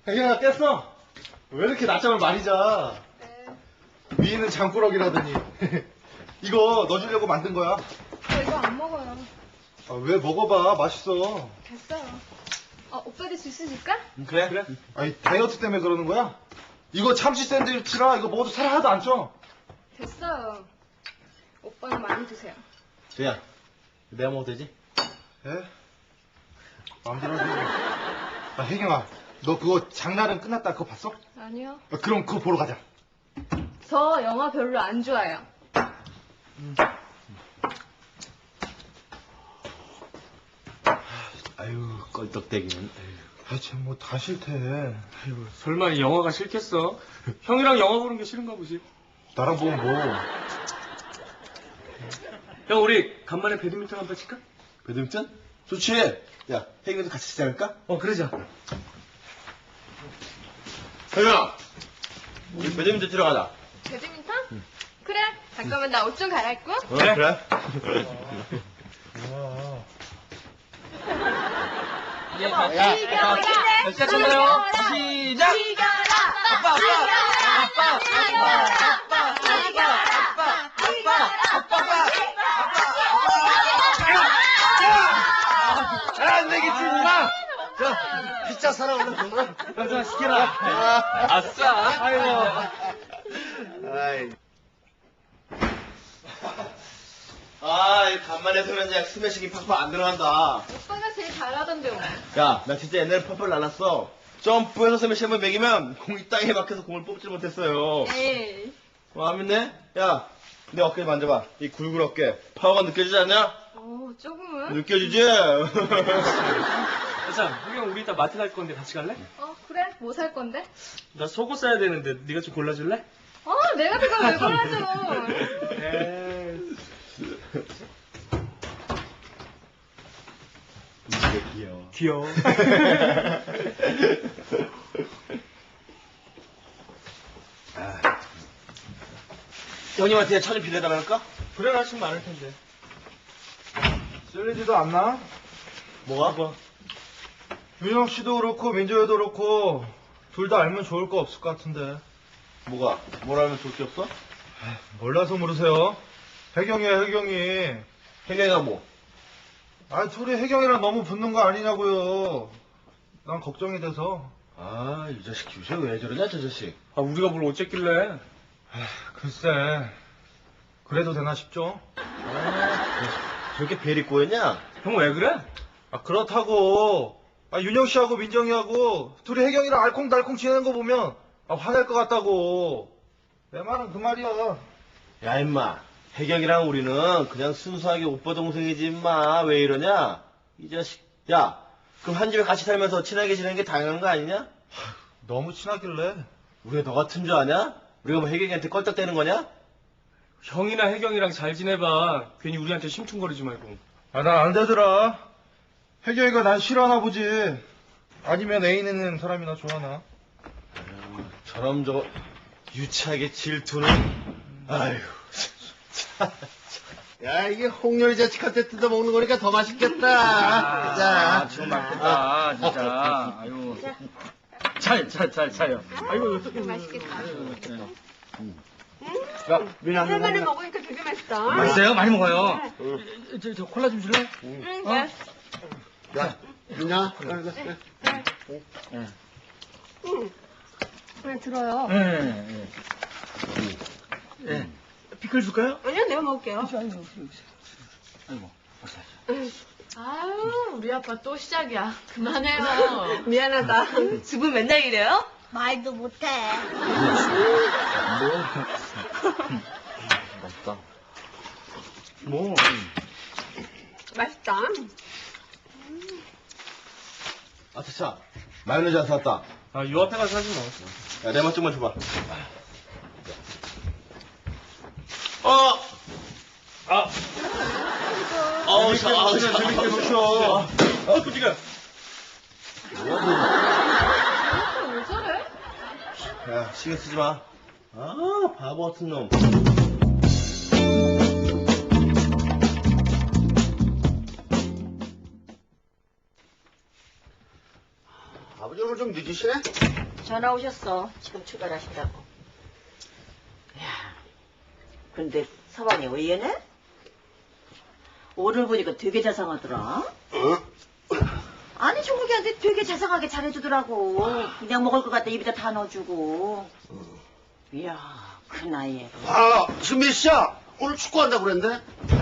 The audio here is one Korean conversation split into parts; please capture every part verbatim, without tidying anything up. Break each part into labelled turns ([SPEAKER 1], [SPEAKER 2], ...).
[SPEAKER 1] 혜경아 깼어? 왜 이렇게 낮잠을 많이 자?
[SPEAKER 2] 네.
[SPEAKER 1] 위에는 장꾸러기라더니. 이거 너 주려고 만든 거야.
[SPEAKER 2] 저 이거 안 먹어요.
[SPEAKER 1] 아, 왜 먹어봐. 맛있어.
[SPEAKER 2] 됐어요. 어, 오빠도 주스 줄까?
[SPEAKER 1] 그래? 그래? 아니 다이어트 때문에 그러는 거야? 이거 참치 샌드위치라 이거 먹어도 살 하나도 안 쪄.
[SPEAKER 2] 됐어요. 오빠는 많이 드세요.
[SPEAKER 3] 저야, 내가 먹어도 되지?
[SPEAKER 1] 예? 마음대로 하세요. 아, 혜경아, 너 그거 장날은 끝났다 그거 봤어?
[SPEAKER 2] 아니요.
[SPEAKER 1] 아, 그럼 그거 보러 가자.
[SPEAKER 2] 저 영화 별로 안 좋아해요.
[SPEAKER 3] 아유, 껄떡대기는.
[SPEAKER 1] 아, 쟤뭐 다 싫대.
[SPEAKER 4] 아이고, 설마 이 영화가 싫겠어? 형이랑 영화 보는 게 싫은가 보지.
[SPEAKER 1] 나랑 보면 뭐.
[SPEAKER 4] 형, 우리 간만에 배드민턴 한번 칠까?
[SPEAKER 3] 배드민턴? 좋지? 야, 혜경이도 같이 치자 할까?
[SPEAKER 4] 어, 그러자.
[SPEAKER 3] 혜경아, 우리 배드민턴 치러 가자.
[SPEAKER 2] 배드민턴? 그래. 잠깐만 나 옷 좀 갈아입고.
[SPEAKER 3] 어, 그래? 그래?
[SPEAKER 1] 뭐야.
[SPEAKER 2] 이겨라.
[SPEAKER 4] 시작하나요? 시작!
[SPEAKER 2] 이겨라.
[SPEAKER 4] 아빠, 아빠, 아빠,
[SPEAKER 2] 아빠, 아빠, 이겨라. 아빠, 아빠,
[SPEAKER 1] 안 되겠지, 임마! 자, 피자 사러 오는 동안.
[SPEAKER 4] 가자, 시켜라. 아싸. 아이고.
[SPEAKER 1] 아이.
[SPEAKER 3] 아, 이 간만에 소면장 스매싱이 팍팍 안 들어간다.
[SPEAKER 2] 오빠가 제일 잘하던데 오늘.
[SPEAKER 3] 야, 나 진짜 옛날에 펄펄 날랐어. 점프해서 스매시 한번 매기면 공이 땅에 박혀서 공을 뽑질 못했어요.
[SPEAKER 2] 에이.
[SPEAKER 3] 와, 믿네? 야, 내 어깨 만져봐. 이 굴굴 어깨. 파워가 느껴지지 않냐?
[SPEAKER 2] 어, 조금은.
[SPEAKER 3] 느껴지지?
[SPEAKER 4] 자, 형, 우리 이따 마트 갈 건데 같이 갈래?
[SPEAKER 2] 어, 그래. 뭐 살 건데?
[SPEAKER 4] 나 속옷 사야 되는데 네가 좀 골라줄래?
[SPEAKER 2] 어, 내가 그걸 왜 골라줘?
[SPEAKER 4] 에이.
[SPEAKER 3] 이게 귀여워.
[SPEAKER 4] 귀여워.
[SPEAKER 3] 형님한테 차 좀 빌려달랄까?
[SPEAKER 4] 그래, 나좀 많을 텐데.
[SPEAKER 1] 쓸리지도 않나?
[SPEAKER 3] 뭐가?
[SPEAKER 4] 뭐?
[SPEAKER 1] 윤영 씨도 그렇고, 민조여도 그렇고, 둘 다 알면 좋을 거 없을 것 같은데.
[SPEAKER 3] 뭐가? 뭐라면 좋을 게 없어?
[SPEAKER 1] 몰라서 모르세요. 혜경이야, 혜경이.
[SPEAKER 3] 혜경이가 뭐?
[SPEAKER 1] 아, 둘이 혜경이랑 너무 붙는 거 아니냐고요. 난 걱정이 돼서.
[SPEAKER 3] 아, 이 자식 요새 왜 저러냐, 저 자식.
[SPEAKER 4] 아, 우리가 뭘 어쨌길래.
[SPEAKER 1] 글쎄, 그래도 되나 싶죠?
[SPEAKER 3] 저렇게 벨이 꼬였냐?
[SPEAKER 4] 형 왜 그래?
[SPEAKER 1] 아, 그렇다고. 아, 윤영 씨하고 민정이하고 둘이 혜경이랑 알콩달콩 지내는 거 보면 아, 화낼 것 같다고. 내 말은 그 말이야.
[SPEAKER 3] 야, 임마. 혜경이랑 우리는 그냥 순수하게 오빠 동생이지, 임마. 왜 이러냐? 이 자식. 야, 그럼 한 집에 같이 살면서 친하게 지내는 게 당연한 거 아니냐?
[SPEAKER 1] 너무 친하길래.
[SPEAKER 3] 우리가 너 같은 줄 아냐? 우리가 뭐 혜경이한테 껄떡대는 거냐?
[SPEAKER 4] 형이나 혜경이랑 잘 지내봐. 괜히 우리한테 심퉁거리지 말고.
[SPEAKER 1] 아, 난 안 되더라. 혜경이가 난 싫어하나 보지. 아니면 애인 있는 사람이나 좋아하나.
[SPEAKER 3] 저럼 저거 유치하게 질투는. 아휴. 야, 이게 홍렬이 자식한테 뜯어먹는 거니까 더 맛있겠다. 자,
[SPEAKER 4] 지금 맛있겠다, 진짜. 아유. 잘, 잘, 잘, 잘요. 아이고,
[SPEAKER 2] 맛있겠다.
[SPEAKER 3] 야, 민아,
[SPEAKER 2] 할머니 먹으니까 되게 맛있다.
[SPEAKER 4] 맛있어요? 많이 먹어요. 저, 저 콜라 좀 줄래?
[SPEAKER 2] 응, 네.
[SPEAKER 3] 야, 민아.
[SPEAKER 2] 응. 그냥 들어요.
[SPEAKER 4] 네, 네. 네. 피클 줄까요?
[SPEAKER 2] 아니요, 내가 먹을게요.
[SPEAKER 4] 아이고, 아이고.
[SPEAKER 5] 아유, 우리 아빠 또 시작이야. 그만해요.
[SPEAKER 2] 미안하다. 집은 맨날 이래요?
[SPEAKER 5] 말도 못해.
[SPEAKER 3] 맛있다.
[SPEAKER 4] 뭐.
[SPEAKER 2] 맛있다.
[SPEAKER 3] 아, 차차. 마요네즈 안 사왔다.
[SPEAKER 4] 아, 요 앞에 가서 하지 뭐.
[SPEAKER 3] 야, 내 맛 좀만 줘봐. 어!
[SPEAKER 4] 아,
[SPEAKER 3] 어우, 샤, 아우, 샤.
[SPEAKER 1] 재밌게 노셔.
[SPEAKER 4] 어, 끄지가.
[SPEAKER 5] 왜 저래?
[SPEAKER 3] 야, 신경 쓰지 마. 아, 바보 같은 놈. 아버지 오늘 좀
[SPEAKER 6] 좀 늦으시네?
[SPEAKER 7] 전화 오셨어. 지금 출발하신다고. 야, 근데 서방이 왜 이러네? 오늘 보니까 되게 자상하더라.
[SPEAKER 6] 어?
[SPEAKER 7] 아니, 종국이한테 되게 자상하게 잘해주더라고. 그냥 먹을 것 같다 입에다 다 넣어주고. 이야, 그 나이에.
[SPEAKER 6] 아, 신미 씨야. 오늘 축구한다고 그랬는데?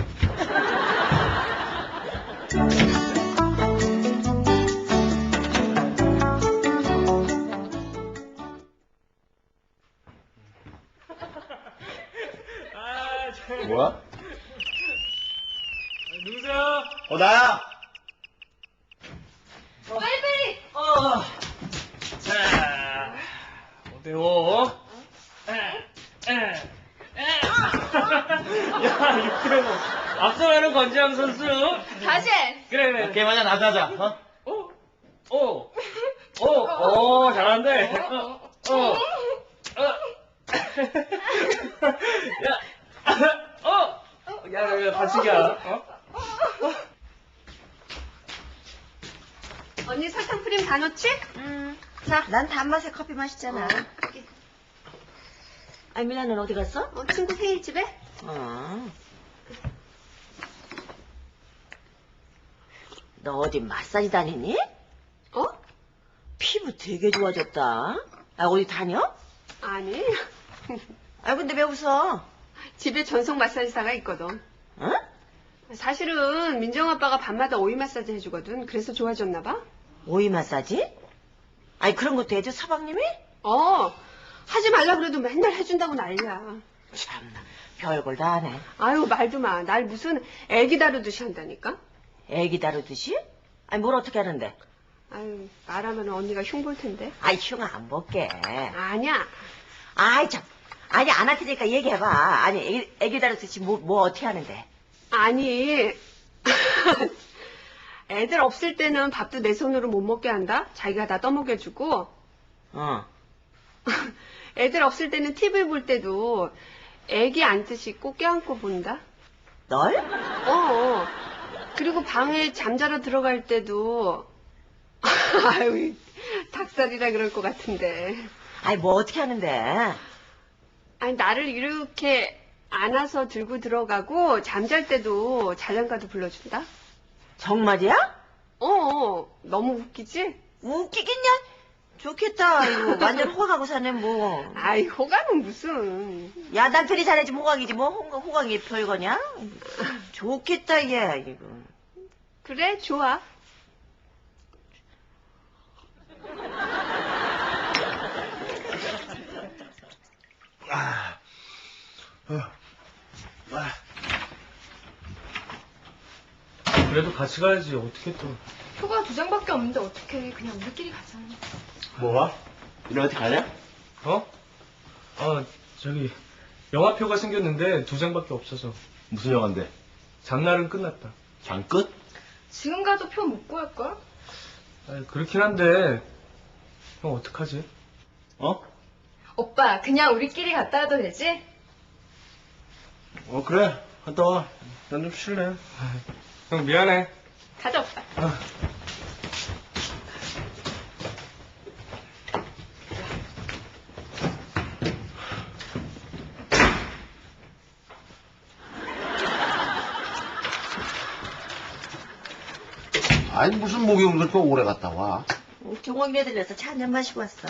[SPEAKER 3] 뭐야?
[SPEAKER 4] 누구세요?
[SPEAKER 3] 어, 나야!
[SPEAKER 2] 빨리빨리!
[SPEAKER 4] 어. 자, 오대오. 야, 육대오. 앞서가는 권지영 선수.
[SPEAKER 2] 다시 해!
[SPEAKER 4] 그래, 그래.
[SPEAKER 3] 게임하자, 나도 하자, 어?
[SPEAKER 4] 오, 오, 오, 오, 잘하는데. 어, 어, 어. 야, 어, 야, 야, 야, 반칙이야. 어?
[SPEAKER 2] 언니 설탕 프림 다 넣지?
[SPEAKER 7] 음, 자, 난 단맛의 커피 마시잖아. 아니, 미나는 어디 갔어?
[SPEAKER 2] 어, 친구 생일집에?
[SPEAKER 7] 어. 너 어디 마사지 다니니?
[SPEAKER 2] 어?
[SPEAKER 7] 피부 되게 좋아졌다. 아, 어디 다녀?
[SPEAKER 2] 아니.
[SPEAKER 7] 아, 근데 왜 웃어?
[SPEAKER 2] 집에 전속 마사지사가 있거든.
[SPEAKER 7] 어?
[SPEAKER 2] 사실은 민정 아빠가 밤마다 오이 마사지 해주거든. 그래서 좋아졌나 봐.
[SPEAKER 7] 오이 마사지? 아니, 그런 것도 해줘, 서방님이?
[SPEAKER 2] 어. 하지 말라 그래도 맨날 해준다고 난리야.
[SPEAKER 7] 참나, 별걸 다 하네.
[SPEAKER 2] 아유 말도 마. 날 무슨 애기 다루듯이 한다니까.
[SPEAKER 7] 애기 다루듯이? 아니, 뭘 어떻게 하는데?
[SPEAKER 2] 아유 말하면 언니가 흉볼 텐데.
[SPEAKER 7] 아이, 흉 안 볼게.
[SPEAKER 2] 아니야.
[SPEAKER 7] 아이, 참. 아니, 안 할 테니까 얘기해봐. 아니, 애기, 애기 다루듯이 뭐, 뭐 어떻게 하는데?
[SPEAKER 2] 아니. 애들 없을 때는 밥도 내 손으로 못 먹게 한다. 자기가 다 떠먹여주고.
[SPEAKER 7] 어.
[SPEAKER 2] 애들 없을 때는 티비 볼 때도 애기 앉듯이 꼭 껴안고 본다.
[SPEAKER 7] 널?
[SPEAKER 2] 어, 어. 그리고 방에 잠자러 들어갈 때도 아유 닭살이라 그럴 것 같은데.
[SPEAKER 7] 아니, 뭐 어떻게 하는데?
[SPEAKER 2] 아니 나를 이렇게 안아서 들고 들어가고 잠잘 때도 자장가도 불러준다.
[SPEAKER 7] 정말이야?
[SPEAKER 2] 어, 어. 너무 웃기지?
[SPEAKER 7] 웃기겠냐? 좋겠다. 이거 완전 호강하고 사네, 뭐.
[SPEAKER 2] 아이 호감은 무슨.
[SPEAKER 7] 야, 남편이 잘해주면 호강이지, 뭐. 호, 호강이 별거냐? 좋겠다, 얘, 이거.
[SPEAKER 2] 그래 좋아.
[SPEAKER 1] 아, 어, 아,
[SPEAKER 4] 그래도 같이 가야지. 어떻게 또.
[SPEAKER 5] 표가 두 장밖에 없는데 어떡해. 그냥 우리끼리 가자.
[SPEAKER 3] 뭐가? 이래 어디 가냐?
[SPEAKER 4] 어? 아, 저기, 영화표가 생겼는데 두 장밖에 없어서.
[SPEAKER 3] 무슨 영화인데?
[SPEAKER 4] 장날은 끝났다.
[SPEAKER 3] 장 끝?
[SPEAKER 5] 지금 가도 표 못 구할걸?
[SPEAKER 4] 아, 그렇긴 한데, 형 어떡하지?
[SPEAKER 3] 어?
[SPEAKER 5] 오빠, 그냥 우리끼리 갔다 와도 되지?
[SPEAKER 3] 어, 그래. 갔다 와. 난 좀 쉴래.
[SPEAKER 4] 형 미안해.
[SPEAKER 5] 가자, 오빠.
[SPEAKER 6] 아니, 무슨 목욕을 그렇게 오래 갔다 와?
[SPEAKER 7] 종옥이네 들려서 차 한잔 마시고 왔어.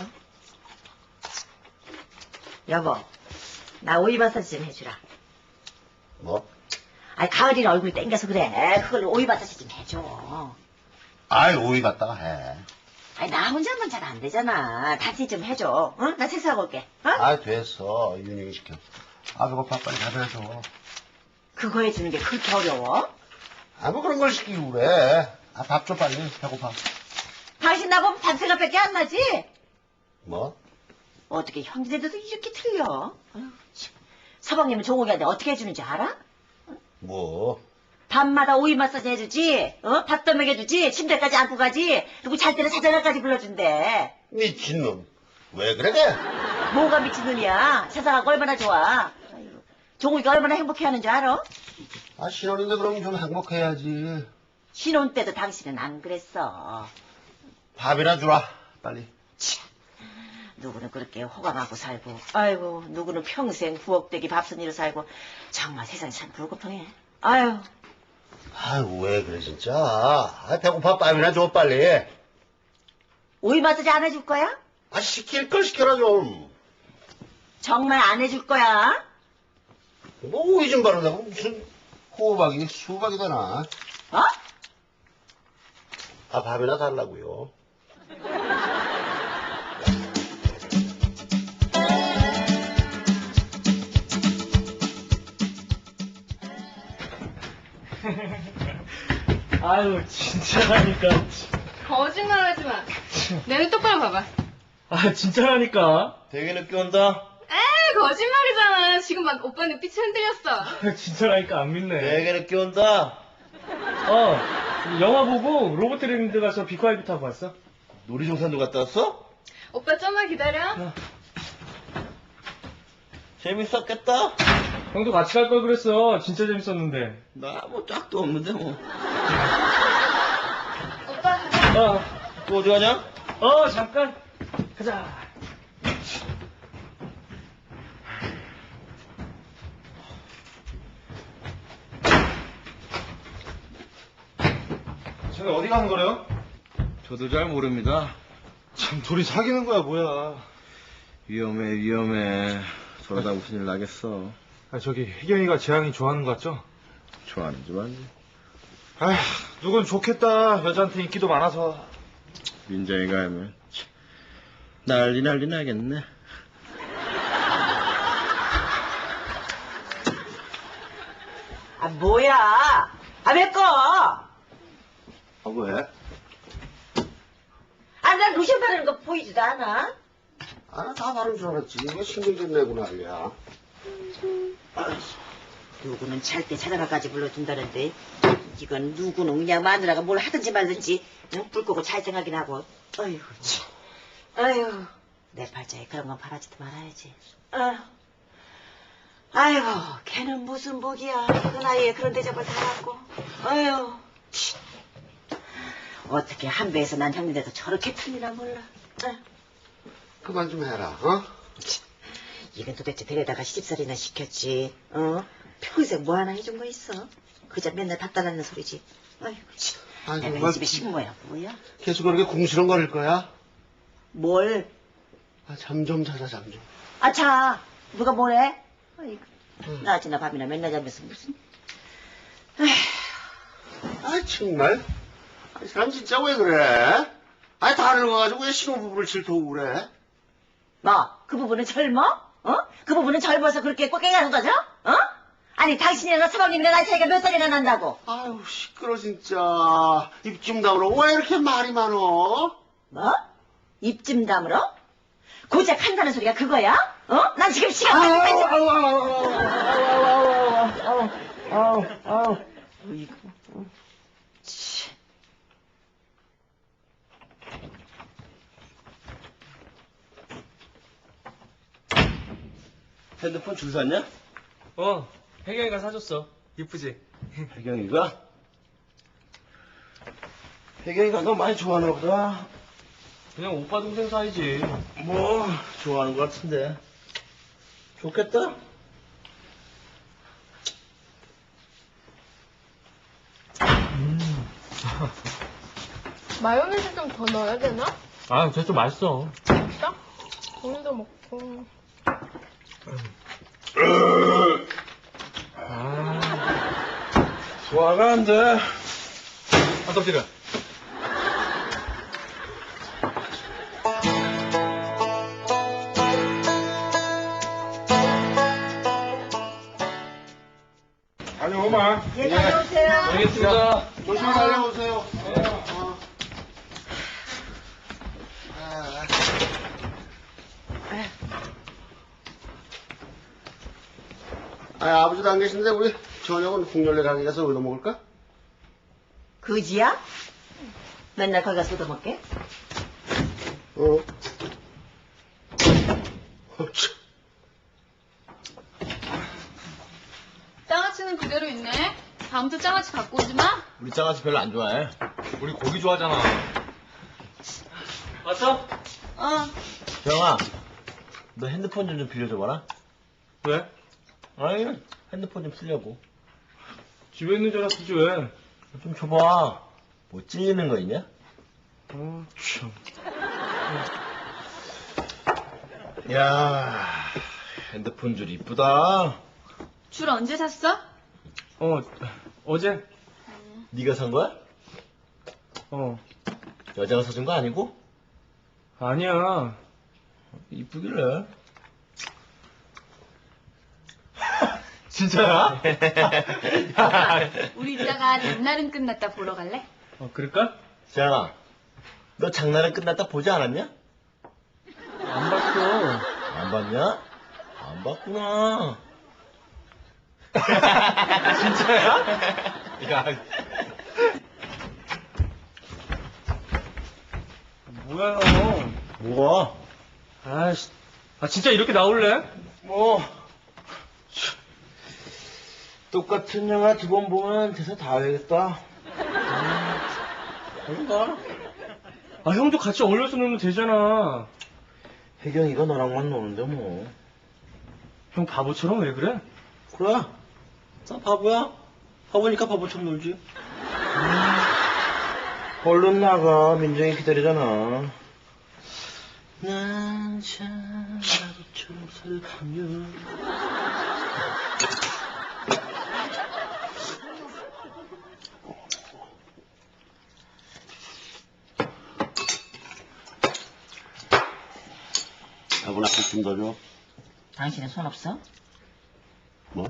[SPEAKER 7] 여보, 나 오이 마사지 좀 해주라.
[SPEAKER 6] 뭐?
[SPEAKER 7] 아니, 가을이라 얼굴 땡겨서 그래. 그걸 오이 마사지 좀 해줘.
[SPEAKER 6] 아이, 오이 갔다가 해.
[SPEAKER 7] 아니, 나 혼자만 잘 안 되잖아. 같이 좀 해줘. 응? 나 세수하고 올게. 어?
[SPEAKER 6] 아, 됐어. 윤영이 시켜. 아, 그거 밥 빨리 가져줘.
[SPEAKER 7] 그거 해주는 게 그렇게 어려워?
[SPEAKER 6] 아, 뭐 그런 걸 시키고 그래. 아, 밥 줘, 빨리. 배고파.
[SPEAKER 7] 당신 나보면 밤새가밖에 안 나지?
[SPEAKER 6] 뭐?
[SPEAKER 7] 어떻게 형제들도 이렇게 틀려? 아유, 참. 서방님은 종옥이한테 어떻게 해주는지 알아?
[SPEAKER 6] 뭐?
[SPEAKER 7] 밤마다 오이 마사지 해주지, 어? 밥도 먹여주지, 침대까지 안고 가지, 그리고 잘 때는 사자나까지 불러준대.
[SPEAKER 6] 미친놈. 왜 그래?
[SPEAKER 7] 뭐가 미친놈이야? 세상하고 얼마나 좋아. 아이고, 종욱이가 얼마나 행복해하는 줄 알아?
[SPEAKER 6] 아, 신혼인데 그럼 좀 행복해야지.
[SPEAKER 7] 신혼 때도 당신은 안 그랬어.
[SPEAKER 6] 밥이나 주라, 빨리.
[SPEAKER 7] 참, 누구는 그렇게 호강하고 살고, 아이고, 누구는 평생 부엌대기 밥순이로 살고, 정말 세상이 참 불공평해. 아유,
[SPEAKER 6] 아이고, 왜 그래, 진짜. 아, 배고파, 빵이나 줘, 빨리.
[SPEAKER 7] 오이 마사지 안 해줄 거야?
[SPEAKER 6] 아, 시킬 걸 시켜라, 좀.
[SPEAKER 7] 정말 안 해줄 거야?
[SPEAKER 6] 뭐, 오이 좀 바르다고 무슨 호박이니 수박이 되나?
[SPEAKER 7] 어?
[SPEAKER 6] 아, 밥이나 달라고요.
[SPEAKER 4] 아유, 진짜라니까.
[SPEAKER 5] 거짓말하지 마. 내 눈 똑바로 봐봐.
[SPEAKER 4] 아, 진짜라니까.
[SPEAKER 3] 되게 늦게 온다.
[SPEAKER 5] 에이, 거짓말이잖아. 지금 막 오빠 눈빛이 흔들렸어.
[SPEAKER 4] 아, 진짜라니까 안 믿네.
[SPEAKER 3] 되게 늦게 온다.
[SPEAKER 4] 어, 영화 보고 로봇 트레이닝 가서 비과이비 타고 왔어.
[SPEAKER 3] 놀이동산도 갔다 왔어?
[SPEAKER 5] 오빠 좀만 기다려.
[SPEAKER 3] 재밌었겠다.
[SPEAKER 4] 형도 같이 갈 걸 그랬어. 진짜 재밌었는데.
[SPEAKER 3] 나 뭐 짝도 없는데 뭐.
[SPEAKER 5] 오빠 가자.
[SPEAKER 4] 어,
[SPEAKER 3] 또 어디 가냐?
[SPEAKER 4] 어, 잠깐. 가자.
[SPEAKER 1] 저기 어디 가는 거래요?
[SPEAKER 3] 저도 잘 모릅니다.
[SPEAKER 1] 참 둘이 사귀는 거야 뭐야.
[SPEAKER 3] 위험해 위험해. 저러다 무슨 일 나겠어.
[SPEAKER 1] 아 저기 혜경이가 재앙이 좋아하는 거 같죠?
[SPEAKER 3] 좋아하는지 말지.
[SPEAKER 1] 아휴 누군 좋겠다. 여자한테 인기도 많아서.
[SPEAKER 3] 민정이가 하면 참, 난리 난리 나겠네.
[SPEAKER 7] 아, 뭐야? 아, 왜 꺼?
[SPEAKER 6] 아, 왜?
[SPEAKER 7] 아, 난 로션 바르는 거 보이지도 않아.
[SPEAKER 6] 아, 나 다 바른 줄 알았지. 왜 신경 좀 내고 난리야.
[SPEAKER 7] 누구는 잘 때 찾아가까지 불러준다는데, 이건 누구는 그냥 마누라가 뭘 하든지 말든지, 응? 불 끄고 잘 생각이나 하고. 어휴, 참. 아휴, 내 팔자에 그런 건 바라지도 말아야지. 아휴. 아이고, 걔는 무슨 복이야. 그 나이에 그런 대접을 다 받고. 아휴, 치. 어떻게 한 배에서 난 형님인데도 저렇게 틀리나 몰라. 아휴.
[SPEAKER 6] 그만 좀 해라, 어?
[SPEAKER 7] 이건 도대체 데려다가 시집살이나 시켰지. 어? 평생 뭐 하나 해준 거 있어? 그저 맨날 밥 달라는 소리지. 아이고, 참.
[SPEAKER 6] 아이고,
[SPEAKER 7] 내가
[SPEAKER 6] 뭐-
[SPEAKER 7] 이 집에 식모야, 뭐야?
[SPEAKER 6] 계속 그렇게 궁시렁거릴 거야?
[SPEAKER 7] 뭘?
[SPEAKER 6] 아, 잠 좀 자자, 잠 좀.
[SPEAKER 7] 아차, 누가 뭐래? 아이고, 낮이나 밤이나 맨날 자면서 무슨. 아휴,
[SPEAKER 6] 아, 정말. 아, 이 사람 진짜 왜 그래? 아, 다 늙어가지고 왜 신혼부부를 질투하고 그래?
[SPEAKER 7] 뭐, 그 부분은 젊어? 어? 그 부분은 젊어서 그렇게 꼴깽이하는 거죠? 어? 아니, 당신이랑 서방님이랑 나이 차이가 몇 살이나 난다고?
[SPEAKER 6] 아유, 시끄러, 진짜. 입 좀 다물어. 왜 이렇게 말이 많어?
[SPEAKER 7] 뭐? 입 좀 다물어? 고작 한다는 소리가 그거야? 어? 난 지금 시간
[SPEAKER 6] 아우,
[SPEAKER 7] 다 됐어.
[SPEAKER 6] 아우, 아우, 아우, 아우, 아우, 아우, 아우.
[SPEAKER 7] 어이구, 어. 치.
[SPEAKER 3] 핸드폰 줄 샀냐?
[SPEAKER 4] 어, 혜경이가 사줬어. 이쁘지?
[SPEAKER 3] 혜경이가? 혜경이가 너 많이 좋아하나 보다.
[SPEAKER 4] 그냥 오빠 동생 사이지.
[SPEAKER 3] 뭐 좋아하는 것 같은데. 좋겠다.
[SPEAKER 5] 마요네즈 좀 더 넣어야 되나?
[SPEAKER 4] 아, 쟤 좀 맛있어.
[SPEAKER 5] 진짜? 오늘도 먹고.
[SPEAKER 3] 소화가 안 돼.
[SPEAKER 1] 아 덕질아.
[SPEAKER 6] 빨리 오마.
[SPEAKER 7] 예, 다녀오세요.
[SPEAKER 4] 알겠습니다.
[SPEAKER 6] 조심히 달려오세요. 어. 아. 아, 아버지도 안 계신데 우리 저녁은 국열내 가게 가서 얻어 먹을까?
[SPEAKER 7] 그지야? 맨날 거기 가서 얻어먹게?
[SPEAKER 6] 어. 어, 참.
[SPEAKER 5] 장아찌는 그대로 있네. 다음부터 장아찌 갖고 오지 마.
[SPEAKER 3] 우리 장아찌 별로 안 좋아해.
[SPEAKER 1] 우리 고기 좋아하잖아.
[SPEAKER 4] 왔어?
[SPEAKER 7] 어.
[SPEAKER 3] 영아, 너 핸드폰 좀 좀 빌려줘봐라.
[SPEAKER 4] 왜?
[SPEAKER 3] 아니, 핸드폰 좀 쓰려고.
[SPEAKER 4] 집에 있는 줄 알았지 왜?
[SPEAKER 3] 좀 줘봐. 뭐 찔리는 거 있냐?
[SPEAKER 4] 어, 참.
[SPEAKER 3] 야, 핸드폰 줄 이쁘다.
[SPEAKER 5] 줄 언제 샀어?
[SPEAKER 4] 어, 어제?
[SPEAKER 3] 네가 산 거야?
[SPEAKER 4] 어,
[SPEAKER 3] 여자가 사준 거 아니고?
[SPEAKER 4] 아니야.
[SPEAKER 3] 이쁘길래.
[SPEAKER 4] 진짜야?
[SPEAKER 5] 우리 이따가 장날은 끝났다 보러 갈래?
[SPEAKER 4] 어, 그럴까?
[SPEAKER 3] 지안아, 너 장난은 끝났다 보지 않았냐?
[SPEAKER 4] 안 봤어.
[SPEAKER 3] 안 봤냐? 안 봤구나.
[SPEAKER 4] 진짜야?
[SPEAKER 3] 야,
[SPEAKER 4] 뭐야, 너.
[SPEAKER 3] 뭐가?
[SPEAKER 4] 아이씨. 아, 진짜 이렇게 나올래?
[SPEAKER 3] 뭐, 똑같은 영화 두 번 보면 대사 다 외우겠다. 음, 가.
[SPEAKER 4] 아, 형도 같이 어울려서 놀면 되잖아.
[SPEAKER 3] 혜경이가 너랑만 노는데 뭐.
[SPEAKER 4] 형 바보처럼 왜 그래?
[SPEAKER 3] 그래? 나 바보야? 바보니까 바보처럼 놀지. 음, 얼른 나가. 민정이 기다리잖아. 난참 바보처럼 살면.
[SPEAKER 6] 여분 앞에 좀 더 줘.
[SPEAKER 7] 당신은 손 없어?
[SPEAKER 6] 뭐?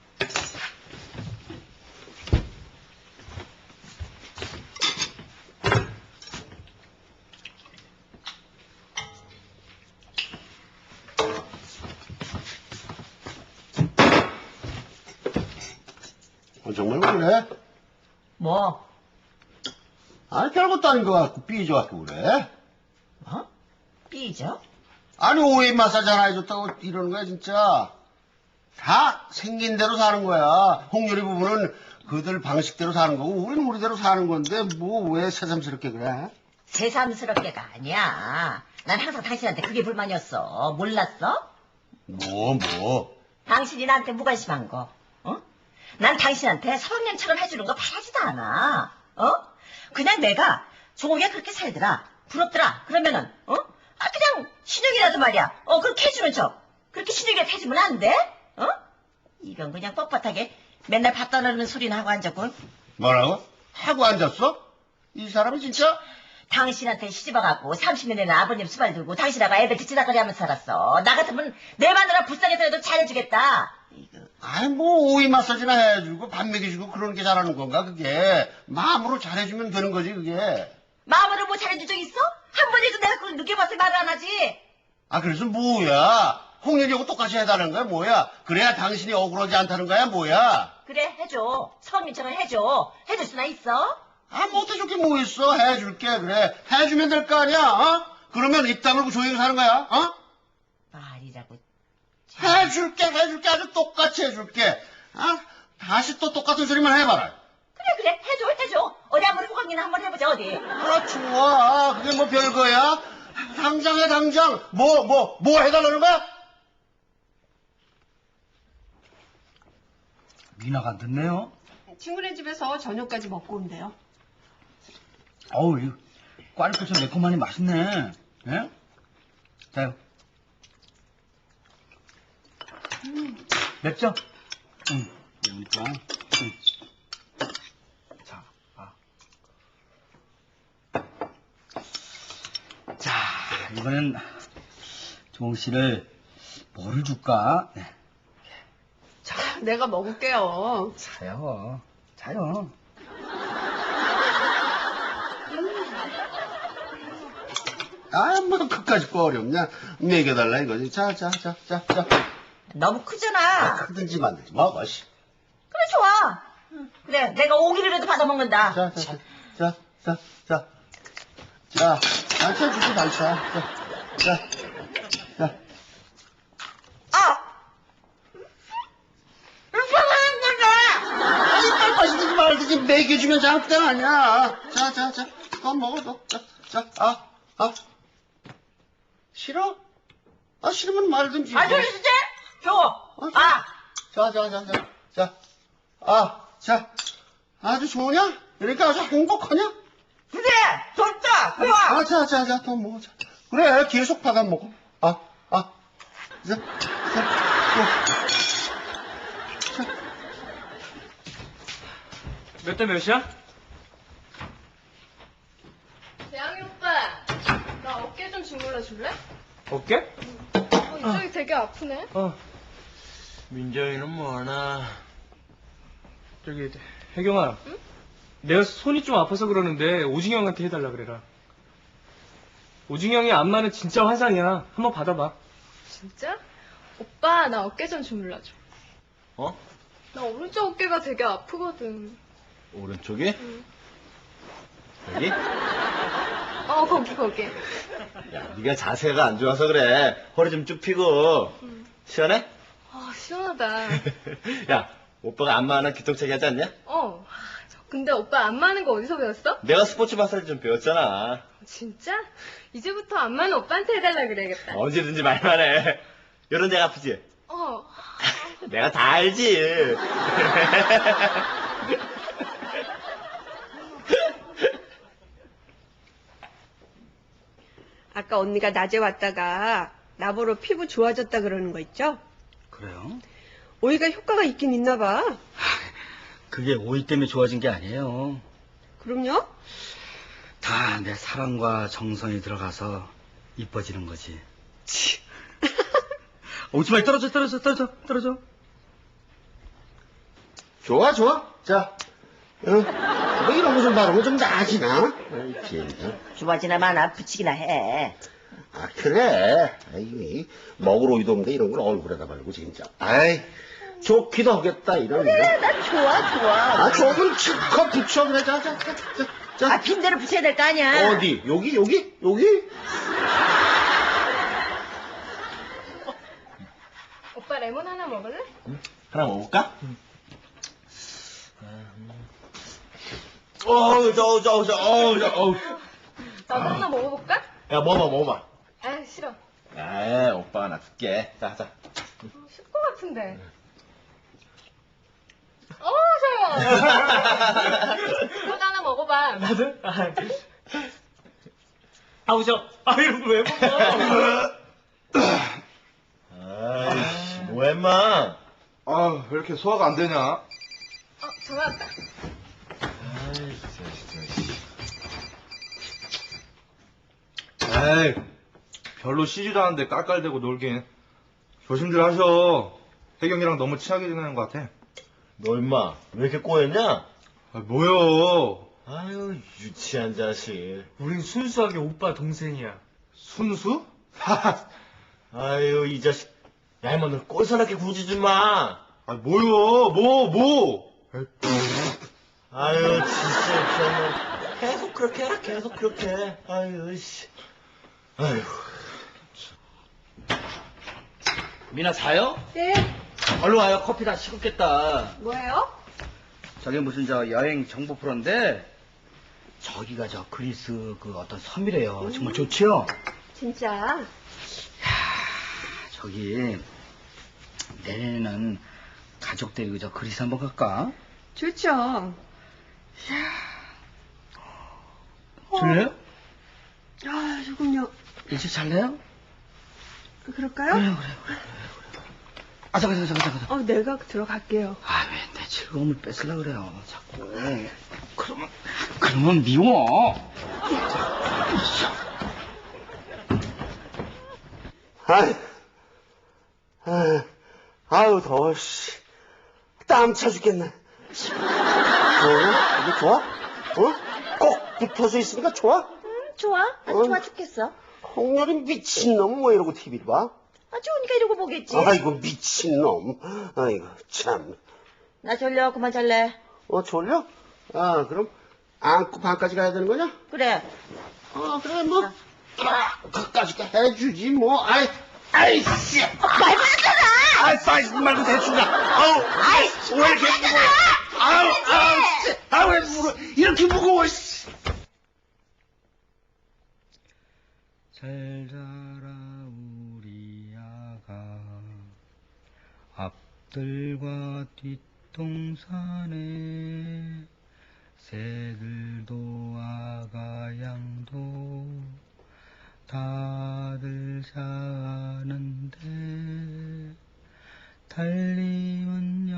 [SPEAKER 6] 어, 정말 왜 그래?
[SPEAKER 7] 뭐?
[SPEAKER 6] 아니, 별것도 아닌 것 같고, 삐져갖고 그래?
[SPEAKER 7] 어? 삐져?
[SPEAKER 6] 아니, 오해 마사지 하나 해줬다고 이러는 거야, 진짜. 다 생긴 대로 사는 거야. 홍유리 부부는 그들 방식대로 사는 거고, 우리는 우리대로 사는 건데, 뭐, 왜 새삼스럽게 그래?
[SPEAKER 7] 새삼스럽게가 아니야. 난 항상 당신한테 그게 불만이었어. 몰랐어?
[SPEAKER 6] 뭐, 뭐.
[SPEAKER 7] 당신이 나한테 무관심한 거. 어? 난 당신한테 서방년처럼 해주는 거 바라지도 않아. 어? 그냥 내가 종옥이가 그렇게 살더라. 부럽더라. 그러면은, 어? 아, 그냥 신용이라도 말이야. 어, 그렇게 해주는 척. 그렇게 신용이라도 해주면 안 돼? 어? 이건 그냥 뻣뻣하게 맨날 밥 떠나는 소리나 하고 앉았군.
[SPEAKER 6] 뭐라고? 하고 앉았어? 이 사람이 진짜?
[SPEAKER 7] 당신한테 시집와갖고 삼십 년 되는 아버님 수발 들고 당신하고 애들 뒤치다거리 하면서 살았어. 나 같으면 내 마누라 불쌍해서라도 잘해주겠다. 이거.
[SPEAKER 6] 아이, 뭐, 오이 마사지나 해주고, 밥 먹여주고, 그러는 게 잘하는 건가, 그게. 마음으로 잘해주면 되는 거지, 그게.
[SPEAKER 7] 마음으로 뭐 잘해준 적 있어? 한 번에도 내가 그걸 느껴봐서 말을 안 하지.
[SPEAKER 6] 아, 그래서 뭐야? 홍렬이하고 똑같이 해달라는 거야, 뭐야? 그래야 당신이 억울하지 않다는 거야, 뭐야?
[SPEAKER 7] 그래, 해줘. 서방님처럼 해줘. 해줄 수나 있어?
[SPEAKER 6] 아, 못해줄 게 뭐 있어? 해줄게, 그래. 해주면 될 거 아니야, 어? 그러면 입 다물고 조용히 사는 거야, 어?
[SPEAKER 7] 말이라고.
[SPEAKER 6] 해줄게, 해줄게, 아주 똑같이 해줄게. 아, 다시 또 똑같은 소리만 해봐라.
[SPEAKER 7] 그래, 그래. 해줘, 해줘. 어디 한번 호강이나 한번 해보자, 어디.
[SPEAKER 6] 아, 좋아. 그게 뭐 별거야? 당장 해, 당장. 뭐, 뭐, 뭐 해달라는 거야?
[SPEAKER 8] 미나가 안 듣네요.
[SPEAKER 2] 친구네 집에서 저녁까지 먹고 온대요.
[SPEAKER 8] 어우, 이 꽈리고추 매콤하니 맛있네. 예? 자요. 음. 맵죠? 응. 그러니까. 응. 자, 아. 자, 이번엔 종옥 씨를 뭐를 줄까? 네.
[SPEAKER 2] 내가 먹을게요.
[SPEAKER 8] 자요. 자요.
[SPEAKER 6] 아, 뭐, 그까짓 거 어렵냐? 먹여달라, 이거지. 자, 자, 자, 자, 자.
[SPEAKER 7] 너무 크잖아.
[SPEAKER 6] 크든지 말든지 먹어, 씨.
[SPEAKER 7] 그래, 좋아. 그래, 내가 오기를라도 받아먹는다.
[SPEAKER 6] 자, 자, 자, 자, 자, 자. 자, 반찬 주고 반찬. 자, 자, 자.
[SPEAKER 7] 아!
[SPEAKER 6] 아니, 빨리 마시든지 말든지 먹여주면 잘못된 아니야. 자, 자, 자. 더 먹어, 너. 자, 자, 아, 아. 싫어? 아, 싫으면 말든지.
[SPEAKER 7] 아, 저리 주제? 줘. 아,
[SPEAKER 6] 자, 자, 자, 자, 자. 아, 자. 아주 좋으냐? 그러니까 아주 행복하냐?
[SPEAKER 7] 주제. 좋다. 좋아.
[SPEAKER 6] 아, 자, 자, 자, 더 먹어. 자. 그래, 계속 받아 먹어. 아, 아. 자, 자, 또.
[SPEAKER 4] 몇 대 몇이야?
[SPEAKER 5] 재앙이 오빠, 나 어깨 좀 주물러 줄래?
[SPEAKER 4] 어깨?
[SPEAKER 5] 어, 이쪽이 되게 아프네.
[SPEAKER 4] 어.
[SPEAKER 3] 민정이는 뭐하나?
[SPEAKER 4] 저기, 혜경아.
[SPEAKER 5] 응?
[SPEAKER 4] 내가 손이 좀 아파서 그러는데 오징이 형한테 해달라 그래라. 오징이 형이 안마는 진짜 환상이야. 한번 받아봐.
[SPEAKER 5] 진짜? 오빠, 나 어깨 좀 주물러 줘.
[SPEAKER 3] 어?
[SPEAKER 5] 나 오른쪽 어깨가 되게 아프거든.
[SPEAKER 3] 오른쪽이?
[SPEAKER 5] 응.
[SPEAKER 3] 여기?
[SPEAKER 5] 어, 거기, 거기.
[SPEAKER 3] 야, 네가 자세가 안 좋아서 그래. 허리 좀 쭉 펴고.
[SPEAKER 5] 응.
[SPEAKER 3] 시원해?
[SPEAKER 5] 아, 시원하다.
[SPEAKER 3] 야, 오빠가 안마 하나 기똥차게 하지 않냐?
[SPEAKER 5] 어. 근데 오빠 안마하는 거 어디서 배웠어?
[SPEAKER 3] 내가 스포츠 마사지 좀 배웠잖아.
[SPEAKER 5] 진짜? 이제부터 안마는 오빠한테 해달라 그래야겠다.
[SPEAKER 3] 언제든지 말만 해. 이런 데가 아프지?
[SPEAKER 5] 어.
[SPEAKER 3] 내가 다 알지.
[SPEAKER 2] 아까 언니가 낮에 왔다가 나보러 피부 좋아졌다 그러는 거 있죠?
[SPEAKER 8] 그래요?
[SPEAKER 2] 오이가 효과가 있긴 있나 봐.
[SPEAKER 8] 그게 오이 때문에 좋아진 게 아니에요.
[SPEAKER 2] 그럼요?
[SPEAKER 8] 다 내 사랑과 정성이 들어가서 이뻐지는 거지. 치. 오지 말 떨어져, 떨어져, 떨어져, 떨어져.
[SPEAKER 6] 좋아, 좋아. 자. 어? 뭐 이런 거 좀 바르면 좀 나아지나? 아이, 진짜.
[SPEAKER 7] 좋아지나 마나 붙이기나 해.
[SPEAKER 6] 아, 그래. 아이, 먹을 오이도 없는데 이런 걸 얼굴에다 바르고, 진짜. 아이, 좋기도 하겠다, 이런 거.
[SPEAKER 7] 그래, 나 좋아, 좋아.
[SPEAKER 6] 아, 조금 칠컷 붙여, 그래. 자, 자, 자, 자. 자.
[SPEAKER 7] 아, 빈대로 붙여야 될 거 아니야.
[SPEAKER 6] 어디? 여기, 여기? 여기?
[SPEAKER 5] 오빠 레몬 하나 먹을래?
[SPEAKER 3] 하나 먹을까? 어우, 저, 저, 저, 어우, 저, 어우.
[SPEAKER 5] 나도 하나 먹어볼까?
[SPEAKER 3] 야, 먹어봐, 먹어봐.
[SPEAKER 5] 아, 싫어.
[SPEAKER 3] 에이, 오빠가 나 줄게. 자, 자.
[SPEAKER 5] 어, 쉴것 같은데. 어, 좋아. 너도 하나 먹어봐.
[SPEAKER 4] 나도? 아, 아우, 저, 아, 이런 거 왜 먹어?
[SPEAKER 3] 아이씨, 뭐야, 임마.
[SPEAKER 1] 아, 왜 이렇게 소화가 안 되냐?
[SPEAKER 5] 어, 전화 왔다.
[SPEAKER 3] 아이, 진짜, 진짜.
[SPEAKER 1] 에이, 별로 쉬지도 않는데 깔깔대고 놀긴. 조심들 하셔. 혜경이랑 너무 친하게 지내는 것 같아.
[SPEAKER 3] 너 임마, 왜 이렇게 꼬였냐?
[SPEAKER 1] 아, 뭐요?
[SPEAKER 3] 아유, 유치한 자식.
[SPEAKER 4] 우린 순수하게 오빠 동생이야.
[SPEAKER 1] 순수?
[SPEAKER 3] 아유, 이 자식. 야, 임마, 너 꼴사납게 굴지 좀 마.
[SPEAKER 1] 아, 뭐요? 뭐, 뭐?
[SPEAKER 3] 아유, 진짜 유치한 놈. 계속 그렇게 해라, 계속 그렇게 해. 아유, 씨. 아유.
[SPEAKER 8] 미나 자요?
[SPEAKER 2] 네.
[SPEAKER 8] 얼른 와요. 커피 다 식었겠다.
[SPEAKER 2] 뭐예요?
[SPEAKER 8] 저게 무슨 저 여행 정보 프로인데 저기가 저 그리스 그 어떤 섬이래요. 정말 좋지요?
[SPEAKER 2] 진짜.
[SPEAKER 8] 저기 내년에는 가족 데리고 저 그리스 한번 갈까?
[SPEAKER 2] 좋죠.
[SPEAKER 8] 줄래요?
[SPEAKER 2] 아, 조금요.
[SPEAKER 8] 일찍 잘래요?
[SPEAKER 2] 그럴까요?
[SPEAKER 8] 그래 그래 그래 그래. 아 잠깐 잠깐 잠깐 잠깐.
[SPEAKER 2] 어, 내가 들어갈게요.
[SPEAKER 8] 아 왜 내 즐거움을 뺏으려 그래요 자꾸. 그러면 그러면 미워.
[SPEAKER 6] 아이, 아이, 아유, 더워, 씨. 땀 차 죽겠네. 좋아? 이게 좋아? 어? 꼭 붙어서 있으니까 좋아?
[SPEAKER 7] 좋아? 아주
[SPEAKER 6] 어.
[SPEAKER 7] 좋아 죽겠어.
[SPEAKER 6] 홍렬이 미친놈 뭐 이러고 티비를 봐?
[SPEAKER 7] 아, 좋으니까 이러고 보겠지.
[SPEAKER 6] 아이고, 미친놈. 아이고, 참.
[SPEAKER 7] 나 졸려. 그만 잘래.
[SPEAKER 6] 어, 졸려? 아, 그럼 안고 방까지 가야 되는 거냐?
[SPEAKER 7] 그래.
[SPEAKER 6] 어, 그래, 뭐. 아, 그까지 해주지, 뭐. 아이, 아이씨.
[SPEAKER 7] 말도 안 되잖아.
[SPEAKER 6] 아이, 사이즈 말고 대충 가. 아우, 아이씨. 왜 이렇게 무거워? 아우, 아우, 진짜. 아, 왜 무거워? 이렇게 무거워, 씨.
[SPEAKER 8] 잘 자라 앞들과 뒷동산에 새들도 아가 양도 다들 자는데 달림은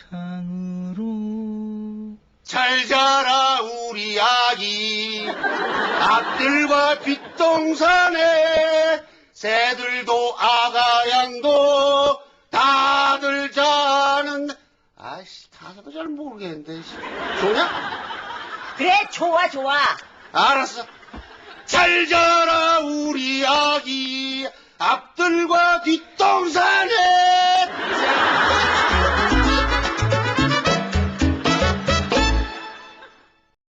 [SPEAKER 8] 영창으로
[SPEAKER 6] 잘 자라 우리 아기 앞들과 뒷동산에 새들도 아가 양도 다들 자는 아이씨 가사도 잘 모르겠는데 좋냐?
[SPEAKER 7] 그래, 좋아, 좋아.
[SPEAKER 6] 알았어. 잘 자라 우리 아기 앞들과 뒷동산에